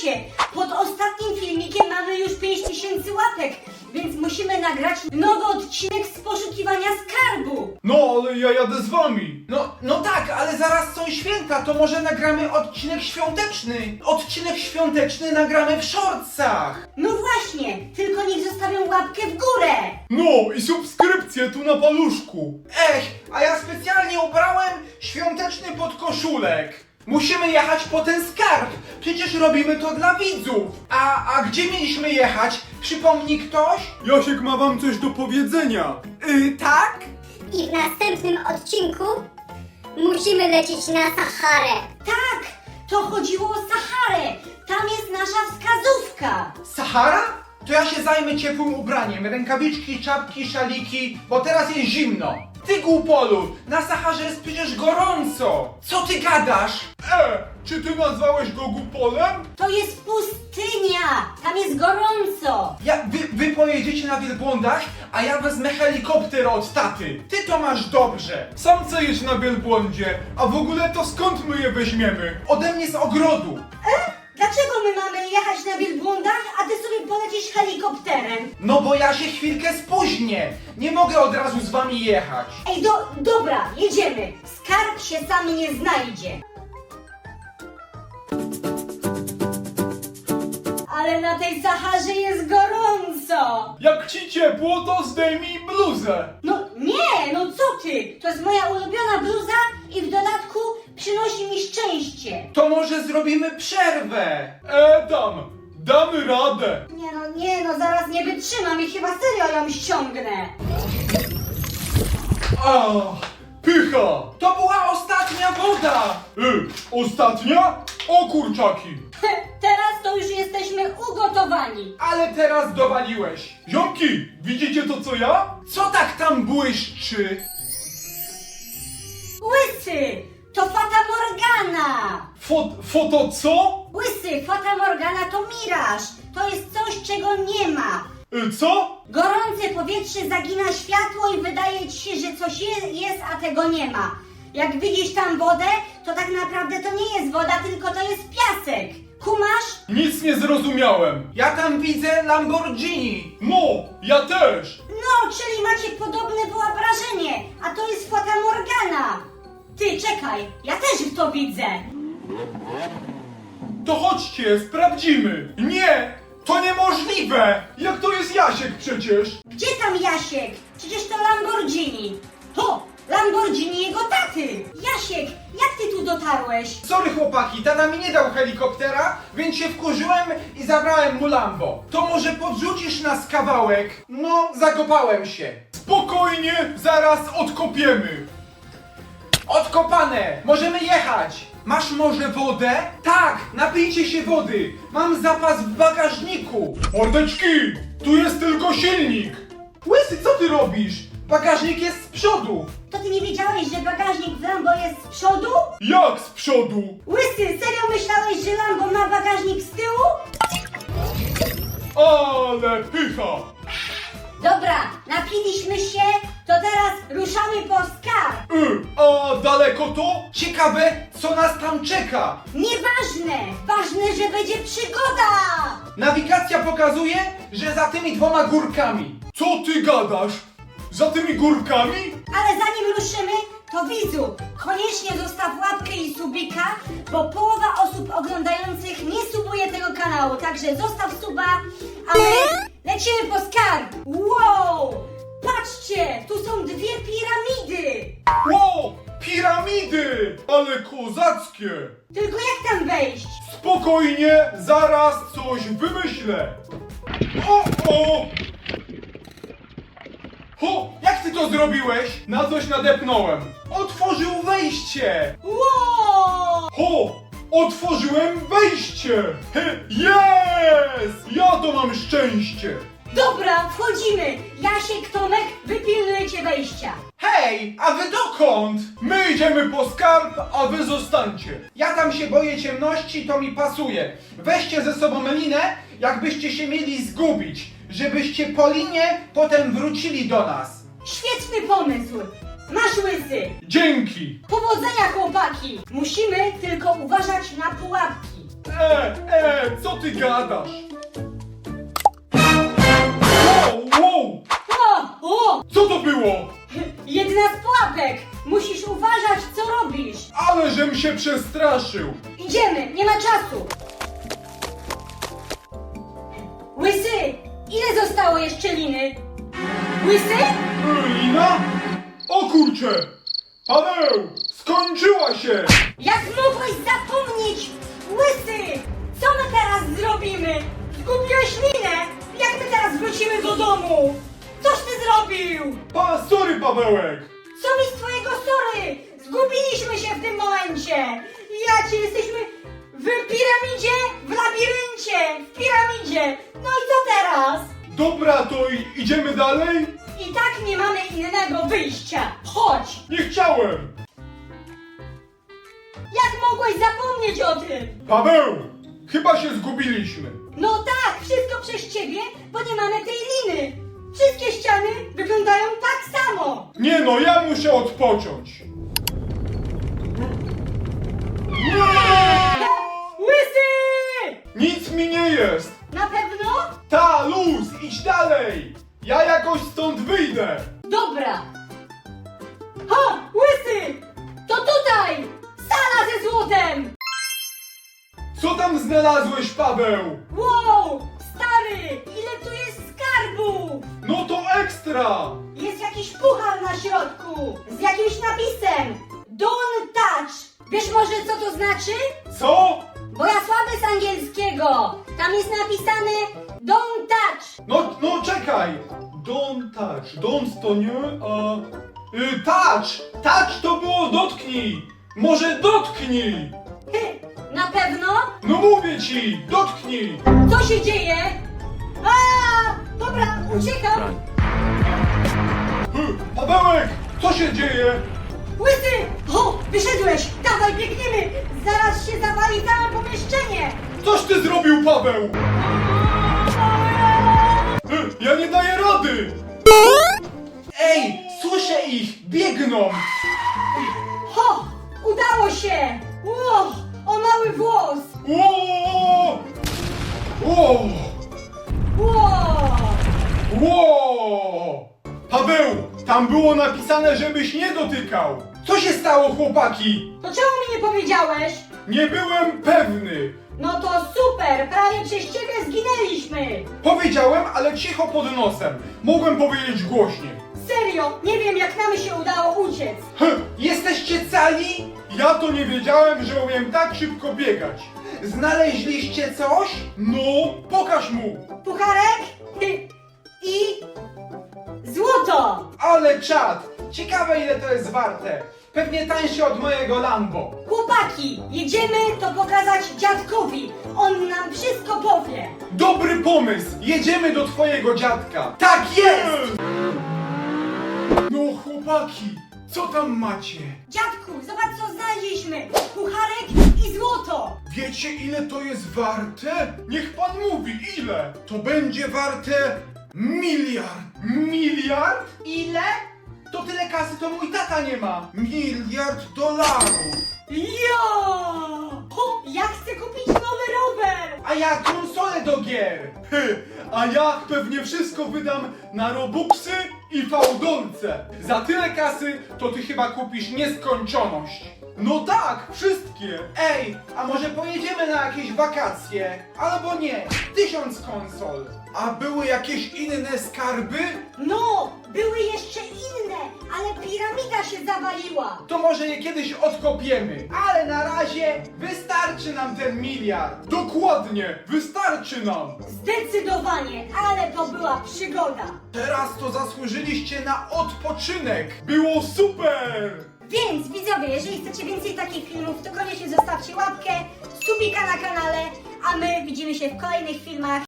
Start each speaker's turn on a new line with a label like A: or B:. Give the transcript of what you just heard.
A: słuchajcie, pod ostatnim filmikiem mamy już 5000 łapek, więc musimy nagrać nowy odcinek z poszukiwania skarbu.
B: No, ale ja jadę z wami.
C: No tak, ale zaraz są święta, to może nagramy odcinek świąteczny. Odcinek świąteczny nagramy w shortsach.
A: No właśnie, tylko niech zostawią łapkę w górę.
B: No i subskrypcję tu na paluszku.
C: Ech, a ja specjalnie ubrałem świąteczny podkoszulek. Musimy jechać po ten skarb. Przecież robimy to dla widzów. A gdzie mieliśmy jechać? Przypomni ktoś?
B: Jasiek ma wam coś do powiedzenia.
C: Tak?
D: I w następnym odcinku musimy lecieć na Saharę.
A: Tak, to chodziło o Saharę. Tam jest nasza wskazówka.
C: Sahara? To ja się zajmę ciepłym ubraniem. Rękawiczki, czapki, szaliki, bo teraz jest zimno. Ty głupolu, na Saharze jest przecież gorąco. Co ty gadasz?
B: Czy ty nazwałeś go Gupolem?
A: To jest pustynia, tam jest gorąco.
C: Wy pojedziecie na wielbłądach, a ja wezmę helikopter od taty. Ty to masz dobrze.
B: Sam chcę jeść na wielbłądzie, a w ogóle to skąd my je weźmiemy?
C: Ode mnie z ogrodu.
A: Dlaczego my mamy jechać na wielbłądach, a ty sobie polecisz helikopterem?
C: No bo ja się chwilkę spóźnię. Nie mogę od razu z wami jechać.
A: Ej, dobra, jedziemy. Skarb się sam nie znajdzie. Ale na tej Saharze jest gorąco.
B: Jak ci ciepło, to zdejmij bluzę.
A: No nie, no co ty? To jest moja ulubiona bluza i w dodatku przynosi mi szczęście.
C: To może zrobimy przerwę.
B: Damy radę.
A: Nie no, zaraz nie wytrzymam i chyba serio ją ściągnę.
B: Pycha.
C: To była ostatnia woda.
B: Ostatnia? O kurczaki.
A: Teraz to już jesteśmy ugotowani.
C: Ale teraz dowaliłeś.
B: Ziomki, widzicie to co ja?
C: Co tak tam błyszczy?
A: Łysy, to Fata Morgana.
B: Foto co?
A: Łysy, Fata Morgana to miraż. To jest coś, czego nie ma.
B: Co?
A: Gorące powietrze zagina światło i wydaje ci się, że coś jest, a tego nie ma. Jak widzisz tam wodę, to tak naprawdę to nie jest woda, tylko to jest piasek. Kumasz?
B: Nic nie zrozumiałem.
C: Ja tam widzę Lamborghini.
B: No, ja też.
A: No, czyli macie podobne wyobrażenie, a to jest Fata Morgana. Ty, czekaj, ja też w to widzę.
B: To chodźcie, sprawdzimy. Nie, to niemożliwe. Jak to jest Jasiek przecież?
A: Gdzie tam Jasiek? Przecież to Lamborghini. To Lamborghini jego taty. Jasiek, jak ty tu dotarłeś?
C: Sorry chłopaki, tata mi nie dał helikoptera, więc się wkurzyłem i zabrałem mu Lambo. To może podrzucisz nas kawałek? No, zakopałem się.
B: Spokojnie, zaraz odkopiemy.
C: Odkopane! Możemy jechać! Masz może wodę? Tak, napijcie się wody! Mam zapas w bagażniku!
B: Mordeczki, tu jest tylko silnik.
C: Łysy, co ty robisz? Bagażnik jest z przodu!
A: To ty nie wiedziałeś, że bagażnik w Lambo jest z przodu?
B: Jak z przodu?
A: Łysy, serio myślałeś, że Lambo ma bagażnik z tyłu?
B: Ale pycha.
A: Dobra, napiliśmy się, to teraz ruszamy po skarb.
B: A daleko to?
C: Ciekawe, co nas tam czeka!
A: Nieważne, ważne, że będzie przygoda.
C: Nawigacja pokazuje, że za tymi 2 górkami.
B: Co ty gadasz? Za tymi górkami?
A: Ale zanim ruszymy, to widzu, koniecznie zostaw łapkę i subika, bo połowa osób oglądających nie subuje tego kanału, także zostaw suba, a my lecimy po skarb. Wow! Patrzcie, tu są 2 piramidy.
B: Wow, piramidy! Ale kozackie!
A: Tylko jak tam wejść?
B: Spokojnie, zaraz coś wymyślę. O!
C: Jak ty to zrobiłeś?
B: Na coś nadepnąłem.
C: Otworzył wejście!
A: Wow!
B: Otworzyłem wejście! Jest! Ja to mam szczęście!
A: Dobra, wchodzimy. Jasiek, Tomek, wy pilnujecie wejścia.
C: Hej, a wy dokąd?
B: My idziemy po skarb, a wy zostańcie.
C: Ja tam się boję ciemności, to mi pasuje. Weźcie ze sobą linę, jakbyście się mieli zgubić, żebyście po linie potem wrócili do nas.
A: Świetny pomysł. Masz łysy.
B: Dzięki!
A: Powodzenia, chłopaki. Musimy tylko uważać na pułapki.
B: Co ty gadasz? Wow!
A: O!
B: Co to było?
A: Jedna z pułapek! Musisz uważać, co robisz!
B: Ale żem się przestraszył!
A: Idziemy, nie ma czasu! Łysy! Ile zostało jeszcze liny? Łysy?
B: Lina? O kurcze! Paweł! Skończyła się!
A: Jak mogłeś zapomnieć? Łysy! Co my teraz zrobimy? Zgubiłeś linę! Jak my teraz wrócimy do domu? Coś ty zrobił!
B: Sorry, Pawełek!
A: Co mi z twojego sorry? Zgubiliśmy się w tym momencie! Ja cię jesteśmy w piramidzie, w labiryncie, w piramidzie! No i co teraz?
B: Dobra, to idziemy dalej?
A: I tak nie mamy innego wyjścia! Chodź!
B: Nie chciałem!
A: Jak mogłeś zapomnieć o tym?
B: Paweł! Chyba się zgubiliśmy.
A: No tak, wszystko przez ciebie, bo nie mamy tej liny! Wszystkie ściany wyglądają tak samo!
B: Nie no, ja muszę odpocząć.
A: Łysy!
B: Nic mi nie jest.
A: Na pewno?
B: Ta, luz, idź dalej. Ja jakoś stąd wyjdę.
A: Dobra! Ha! Łysy! To tutaj! Sala ze złotem!
B: Co tam znalazłeś, Paweł?
A: Wow! Stary! Ile tu jest skarbów!
B: No to ekstra.
A: Jest jakiś puchar na środku! Z jakimś napisem! Don't touch! Wiesz może co to znaczy?
B: Co?
A: Bo ja słaby z angielskiego! Tam jest napisane Don't touch!
B: No czekaj. Don't touch. Don't to nie, a... touch. Touch to było dotknij. Może dotknij.
A: Na pewno?
B: No mówię ci, dotknij.
A: Co się dzieje? A! Dobra, uciekam!
B: Pawełek, co się dzieje?
A: Łysy! O! Wyszedłeś! Dawaj, biegniemy! Zaraz się zawali całe pomieszczenie!
B: Coś ty zrobił, Paweł! Ja nie daję rady!
C: Ej, słyszę ich, biegną!
A: Ho! Udało się! Ło! O mały włos!
B: Ło! Ło!
A: Ło!
B: Ło! Paweł, tam było napisane, żebyś nie dotykał! Co się stało, chłopaki?
A: To czemu mi nie powiedziałeś?
B: Nie byłem pewny!
A: No to super! Prawie przez ciebie zginęliśmy!
B: Powiedziałem, ale cicho pod nosem. Mogłem powiedzieć głośniej.
A: Serio! Nie wiem jak nam się udało uciec!
C: Jesteście cali?
B: Ja to nie wiedziałem, że umiem tak szybko biegać.
C: Znaleźliście coś?
B: No, pokaż mu!
A: Pucharek i złoto!
C: Ale czad! Ciekawe ile to jest warte. Pewnie tańsze od mojego Lambo.
A: Chłopaki, jedziemy to pokazać dziadkowi. On nam wszystko powie.
B: Dobry pomysł! Jedziemy do twojego dziadka!
C: Tak jest!
B: No chłopaki, co tam macie?
A: Dziadku, zobacz co znaleźliśmy. Pucharek i złoto.
B: Wiecie ile to jest warte? Niech pan mówi, ile? To będzie warte miliard. Miliard?
C: Ile? To tyle kasy to mój tata nie ma. $1 miliard.
A: Jo! O, ja chcę kupić nowy rower.
C: A ja konsolę do gier.
B: A ja pewnie wszystko wydam na robuxy i fałdolce. Za tyle kasy to ty chyba kupisz nieskończoność. No tak, wszystkie.
C: Ej, a może pojedziemy na jakieś wakacje? Albo nie, 1000 konsol.
B: A były jakieś inne skarby?
A: No, były jeszcze inne, ale piramida się zawaliła.
C: To może je kiedyś odkopiemy. Ale na razie wystarczy nam ten miliard.
B: Dokładnie, wystarczy nam.
A: Zdecydowanie, ale to była przygoda.
B: Teraz to zasłużyliście na odpoczynek. Było super.
A: Więc widzowie, jeżeli chcecie więcej takich filmów, to koniecznie zostawcie łapkę, subika na kanale, a my widzimy się w kolejnych filmach.